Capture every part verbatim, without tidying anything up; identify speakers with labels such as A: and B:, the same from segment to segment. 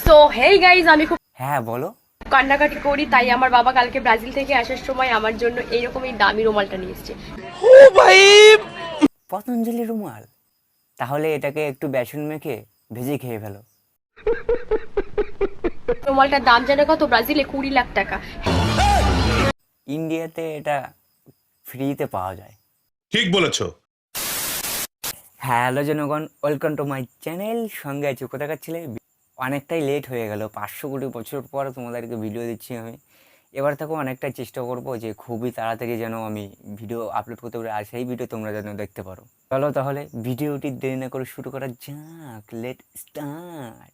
A: So hey guys, আমি খুব
B: হ্যাঁ বলো।
A: কান্নাকাটি করি, তাই আমার বাবা কালকে ব্রাজিল থেকে আসার সময় আমার জন্য এইরকমই দামি রুমালটা নিয়ে এসেছে।
B: ও ভাই, পতঞ্জলি রুমাল। তাহলে এটাকে একটু বেসন মেখে ভেজে খেয়ে ফেলো।
A: রুমালটার দাম জানো কত? ব্রাজিলে কুড়ি লাখ টাকা।
B: ইন্ডিয়াতে এটা ফ্রিতে পাওয়া যায়।
C: ঠিক বলেছো।
B: হ্যালো জনগণ, ওয়েলকাম টু মাই চ্যানেল। সঙ্গে আছি কোথাকার ছেলে। অনেকটাই লেট হয়ে গেল, পাঁচশো কোটি বছর পর তোমাদেরকে ভিডিও দিচ্ছি আমি। এবার থেকে অনেকটাই চেষ্টা করবো যে খুবই তাড়াতাড়ি যেন আমি ভিডিও আপলোড করতে পারি, আর সেই ভিডিও তোমরা যেন দেখতে পারো। চলো তাহলে ভিডিওটি দেরি না করে শুরু করা যাক। Let start.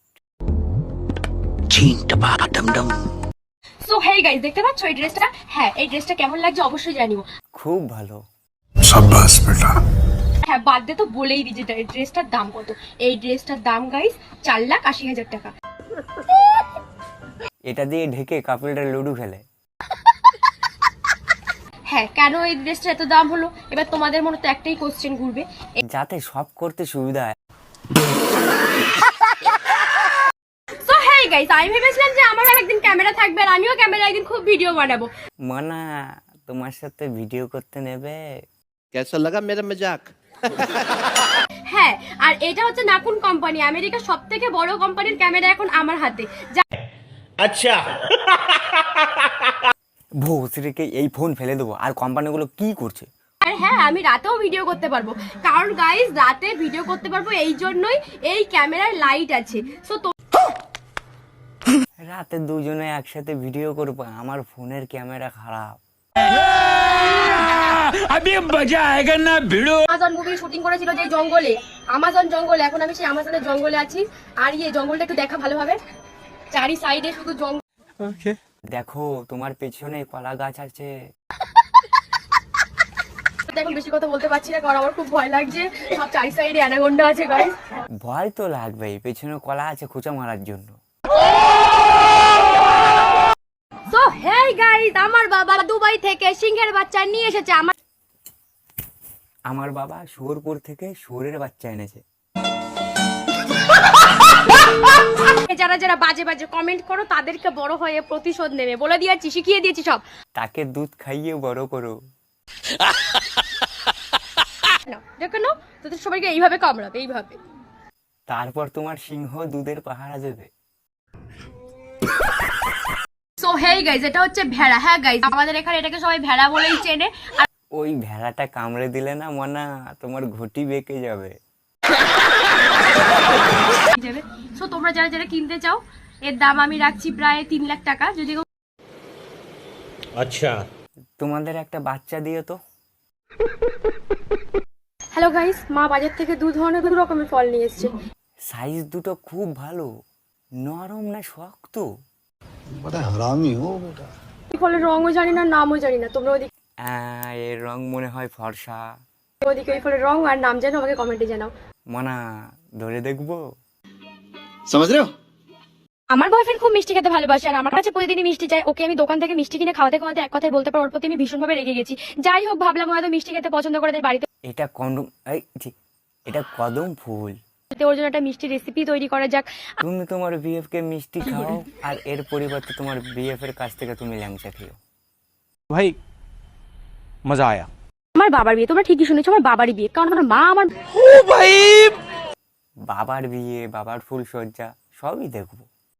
A: So hey guys, দেখতে পাচ্ছ এই ড্রেসটা? হ্যাঁ, এই ড্রেসটা কেমন লাগছে অবশ্যই জানিও।
B: খুব ভালো।
C: সাব্বাস বেটা।
A: হ্যাঁ, বাদ দে তো, বলেই দিই যে এই ড্রেসটার দাম কত। এই ড্রেসটার দাম গাইজ চার লাখ আশি হাজার টাকা।
B: এটা দিয়ে ঢেকে কাপড়টা লুডু খেলে।
A: হ্যাঁ, কেন এই ড্রেসটা এত দাম হলো? এবার তোমাদের মনে তো একটাই কোশ্চেন ঘুরবে,
B: যাতে সব করতে সুবিধা হয়।
A: সো হেই গাইস, আমি ভেবেছিলাম যে আমারও একদিন ক্যামেরা থাকবে আর আমিও ক্যামেরা একদিন খুব ভিডিও বানাবো।
B: মানা তোমার সাথে ভিডিও করতে নেবে?
D: कैसा लगा मेरा मजाक?
A: হ্যাঁ, আর এটা হচ্ছে নাকুন কোম্পানি, আমেরিকার সব থেকে বড় কোম্পানির ক্যামেরা এখন আমার হাতে।
D: अच्छा
B: ভোসরিকে এই ফোন ফেলে দেবো। আর কোম্পানিগুলো কি করছে?
A: আর হ্যাঁ, আমি রাতেও ভিডিও করতে পারবো, কারণ গাইস রাতে ভিডিও করতে পারবো এই জন্যই এই ক্যামেরার লাইট আছে। সো
B: রাতে দুজনে একসাথে ভিডিও করবো, আমার ফোনের ক্যামেরা খারাপ।
A: আমাজন মুভি শুটিং করেছিল যে জঙ্গলে, আমাজন জঙ্গলে, এখন আমি সেই আমাজনের জঙ্গলে আছি। আর এই জঙ্গলটা একটু দেখা ভালোভাবে, চারি সাইডে শুধু জঙ্গল।
B: দেখো তোমার পেছনে কলা গাছ আছে।
A: এখন বেশি কথা বলতে পারছি না, কারণ আমার খুব ভয় লাগছে। সব চারি সাইডে অ্যানাকোন্ডা আছে গাইস।
B: ভয় তো লাগবেই, পেছনে কলা আছে খোঁচা মারার জন্য।
A: সো হেই গাইস, আমার বাবা দুবাই থেকে সিংহের বাচ্চা নিয়ে এসেছে। আমার
B: আমার বাবা শুয়োরপুর থেকে শুয়োরের বাচ্চা এনেছে।
A: যারা যারা বাজে বাজে কমেন্ট করো তাদেরকে বড় হয়ে প্রতিশোধ নেবে, বলে দিয়েছি, শিখিয়ে দিয়েছি সব।
B: তাকে দুধ খাইয়ে বড় করো।
A: না দেখো না, তোদের সবাইকে এইভাবে কামড়াবে, এইভাবে।
B: তারপর তোমার সিংহ দুধের পাহারা দেবে।
A: সো হেই গাইস, এটা হচ্ছে ভেড়া। হ্যাঁ গাইস, আমাদের এখানে এটাকে সবাই ভেড়া বলেই চেনে। আর
B: ওই ভেড়াটা কামড়ে দিলে না মনা, তোমার ঘটি বেঁকে যাবে।
A: সো তোমরা যারা যারা কিনতে চাও, এর দাম আমি রাখছি প্রায় তিন লাখ টাকা। যদি
D: अच्छा
B: তোমাদের একটা বাচ্চা দিয়ে তো।
A: হ্যালো গাইস, মা বাজার থেকে দু ধরনের দু রকমের ফল নিয়ে এসেছে।
B: সাইজ দুটো খুব ভালো, নরম না শক্ত।
E: बड़ा हरामी हो बेटा।
A: এই ফলের রঙও জানি না, নামও জানি না। তোমরা ওদিকে
B: আহ, এর রং মনে হয় ফর্সা।
A: ওদিকে এই ফলের রং আর নাম জানো, আমাকে কমেন্টে জানাও।
B: মনা ধরে দেখবো।
E: समझ रहे हो?
A: আমার বয়ফ্রেন্ড খুব মিষ্টি খেতে ভালোবাসে আর আমার কাছে প্রতিদিনই মিষ্টি চাই। ওকে আমি দোকান থেকে মিষ্টি কিনে খাওয়াতে খাওয়াতে এক কথায় বলতে পারো ওর প্রতি আমি ভীষণভাবে রেগে গেছি। যাই হোক, ভাবলাম হয়তো মিষ্টি খেতে পছন্দ করে, তাই বাড়িতে
B: এটা কন্ডম, এই ছি, এটা কদম ফুল।
A: ওর জন্য একটা মিষ্টি রেসিপি তৈরি করা যাক।
B: তুমি তোমার বিএফ কে মিষ্টি খাও, আর এর পরিবর্তে তোমার বিএফ এর কাছ থেকে তুমি ল্যাংচা খেও।
F: भाई मजा आया।
A: আমার বাবার বিয়ে, তোমরা ঠিকই শুনেছো, আমার বাবারই বিয়ে, কারণ আমার মা আমার
B: বাবার বিয়ে, বাবার ফুল সজ্জা সবই দেখবো।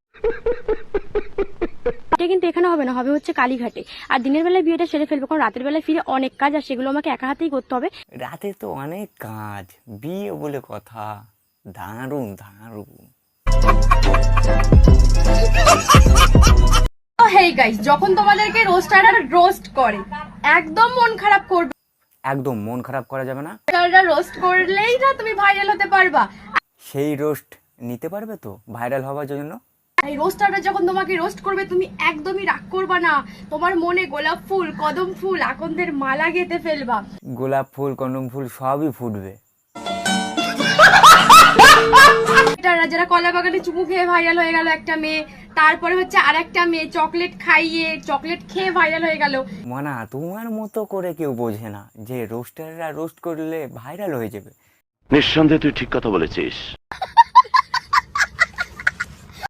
A: এটা কিন্তু এখানে হবে না, হবে হচ্ছে কালীঘাটে। আর দিনের বেলায় বিয়েটা সেরে ফেলবো, কারণ রাতের বেলায় ফিরে অনেক কাজ, আর সেগুলো আমাকে একা হাতেই করতে হবে।
B: রাতে তো অনেক কাজ, বিয়ে বলে কথা। দারুণ দারুণ।
A: হেই গাইস, যখন তোমাদেরকে রোস্টাররা রোস্ট করে একদম মন খারাপ করবে।
B: একদম মন খারাপ করা যাবে না।
A: রোস্টাররা রোস্ট করলেই না তুমি ভাইরাল হতে পারবা।
B: সেই রোস্ট নিতে পারবে তো ভাইরাল হওয়ার জন্য।
A: এই রোস্টাররা যখন তোমাকে রোস্ট করবে তুমি একদমই রাগ করবা না। তোমার মনে গোলাপ ফুল, কদম ফুল, আকন্দের মালা গেঁথে ফেলবা।
B: গোলাপ ফুল, কদম ফুল সবই ফুটবে।
A: যারা যারা কলা বাগানে চুমু খেয়ে ভাইরাল হয়ে গেল একটা মেয়ে, তারপরে হচ্ছে আর একটা মেয়ে চকলেট খাইয়ে চকলেট খেয়ে ভাইরাল হয়ে গেল।
B: মানা তোমার মতো করে কেউ বোঝে না যে রোস্টাররা রোস্ট করলে ভাইরাল হয়ে যাবে।
G: নিঃসন্দেহে তুই ঠিক কথা বলেছিস।